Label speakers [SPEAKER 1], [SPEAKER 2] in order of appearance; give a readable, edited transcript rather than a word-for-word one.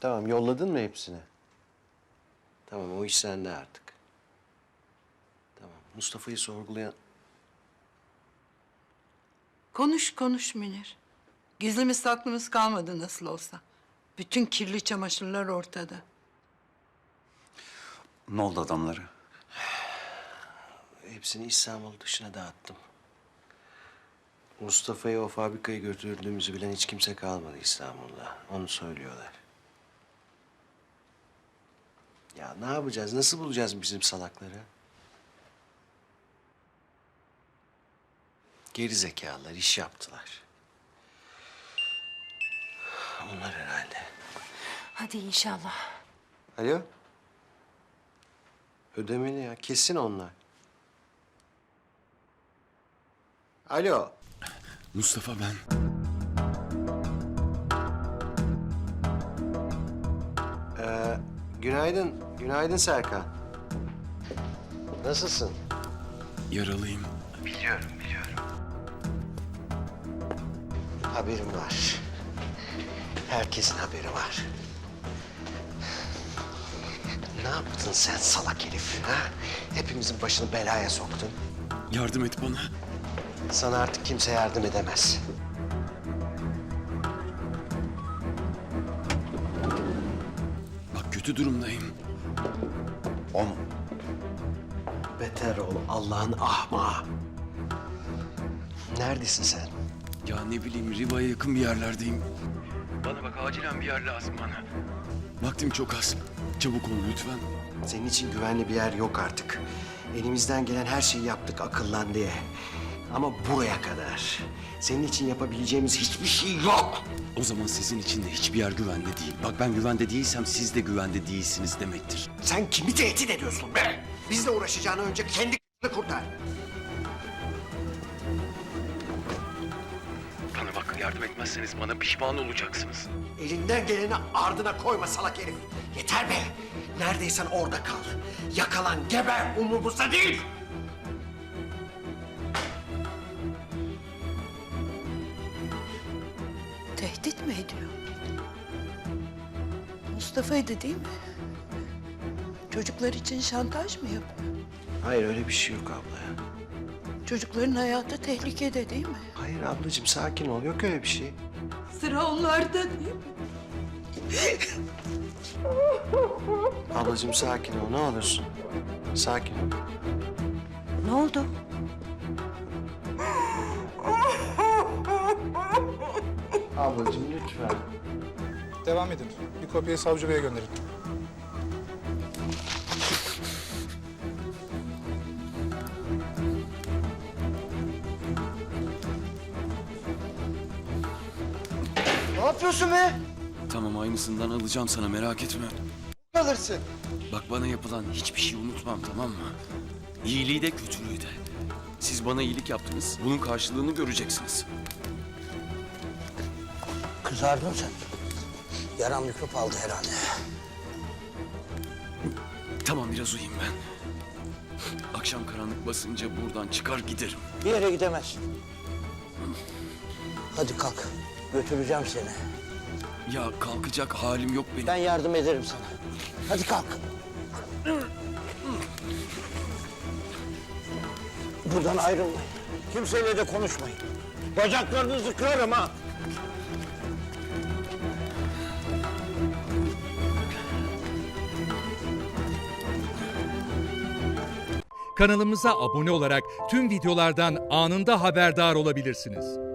[SPEAKER 1] Tamam, yolladın mı hepsini? Tamam, o iş sende artık. Tamam, Mustafa'yı sorgulayan...
[SPEAKER 2] Konuş Münir. Gizlimiz saklımız kalmadı nasıl olsa. Bütün kirli çamaşırlar ortada.
[SPEAKER 3] Ne oldu adamlara?
[SPEAKER 1] Hepsini İstanbul dışına dağıttım. Mustafa'yı o fabrikaya götürdüğümüzü bilen hiç kimse kalmadı İstanbul'da. Onu söylüyorlar. Ya ne yapacağız? Nasıl bulacağız bizim salakları? Geri zekalılar iş yaptılar. Onlar herhalde.
[SPEAKER 4] Hadi inşallah.
[SPEAKER 1] Alo? Ödemeli ya. Kesin onlar. Alo.
[SPEAKER 3] Mustafa ben.
[SPEAKER 1] Günaydın. Günaydın Serkan. Nasılsın?
[SPEAKER 3] Yaralıyım.
[SPEAKER 1] Biliyorum. Haberim var. Herkesin haberi var. Ne yaptın sen salak herif? Ha? Hepimizin başını belaya soktun.
[SPEAKER 3] Yardım et bana.
[SPEAKER 1] Sana artık kimse yardım edemez.
[SPEAKER 3] Bak kötü durumdayım. O mu?
[SPEAKER 1] Beter ol Allah'ın ahmağı. Neredesin sen?
[SPEAKER 3] Ya ne bileyim Riva'ya yakın bir yerlerdeyim. Bana bak acilen bir yer lazım bana. Vaktim çok az. Çabuk ol lütfen.
[SPEAKER 1] Senin için güvenli bir yer yok artık. Elimizden gelen her şeyi yaptık akıllan diye. Ama buraya kadar. Senin için yapabileceğimiz hiçbir şey yok.
[SPEAKER 3] O zaman sizin için de hiçbir yer güvende değil. Bak ben güvende değilsem siz de güvende değilsiniz demektir.
[SPEAKER 1] Sen kimi tehdit ediyorsun be? Bizle uğraşacağına önce kendi kurtar.
[SPEAKER 3] Bana bak yardım etmezseniz bana pişman olacaksınız.
[SPEAKER 1] Elinden geleni ardına koyma salak herif. Yeter be. Neredeysen orada kal. Yakalan, geber. Umurumuzda değil.
[SPEAKER 2] Tehdit mi ediyor? Mustafa'ydı değil mi? Çocuklar için şantaj mı yapıyor?
[SPEAKER 1] Hayır öyle bir şey yok abla ya.
[SPEAKER 2] Çocukların hayatı tehlikede değil mi?
[SPEAKER 1] Hayır ablacığım sakin ol. Yok öyle bir şey.
[SPEAKER 2] Sıra onlarda değil mi?
[SPEAKER 1] Ablacığım sakin ol ne olursun. Sakin ol.
[SPEAKER 4] Ne oldu?
[SPEAKER 1] Ablacığım lütfen.
[SPEAKER 5] Devam edin. Bir kopyayı savcı beye gönderin.
[SPEAKER 1] Ne yapıyorsun be?
[SPEAKER 3] Tamam aynısından alacağım sana merak etme.
[SPEAKER 1] Alırsın.
[SPEAKER 3] Bak bana yapılan hiçbir şey unutmam tamam mı? İyiliği de kötülüğü de. Siz bana iyilik yaptınız. Bunun karşılığını göreceksiniz.
[SPEAKER 6] Kızardın sen. Yaran mikrop aldı herhalde.
[SPEAKER 3] Tamam biraz uyuyayım ben. Akşam karanlık basınca buradan çıkar giderim.
[SPEAKER 6] Bir yere gidemezsin. Hadi kalk. Götüreceğim seni.
[SPEAKER 3] Ya kalkacak halim yok benim.
[SPEAKER 6] Ben yardım ederim sana. Hadi kalk. Buradan ayrılmayın. Kimseyle de konuşmayın. Bacaklarınızı kırarım ha.
[SPEAKER 7] Kanalımıza abone olarak tüm videolardan anında haberdar olabilirsiniz.